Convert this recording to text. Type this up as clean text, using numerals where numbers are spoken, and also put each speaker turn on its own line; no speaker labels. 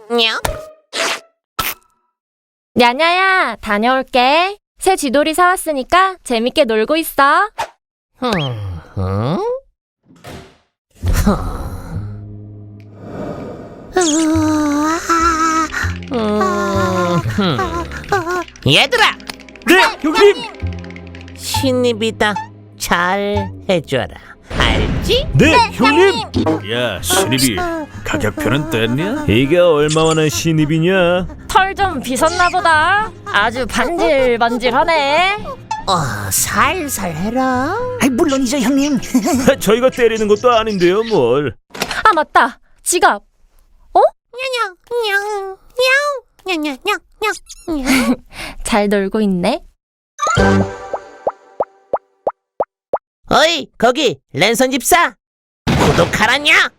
냐?
야냐야, 다녀올게. 새 쥐돌이 사왔으니까 재밌게 놀고 있어.
응? 얘들아!
네, 형님!
신입이다. 잘 해줘라. 알지?
네, 형님! 야, 신입이 가격표는 뗐냐? 이게 얼마만한 신입이냐?
털 좀 빗었나 보다. 아주 반질반질하네.
살살 해라.
물론이죠, 형님.
저희가 때리는 것도 아닌데요, 뭘.
아, 맞다. 지갑. 잘 놀고 있네.
어이, 거기 랜선 집사. 구독하라냐?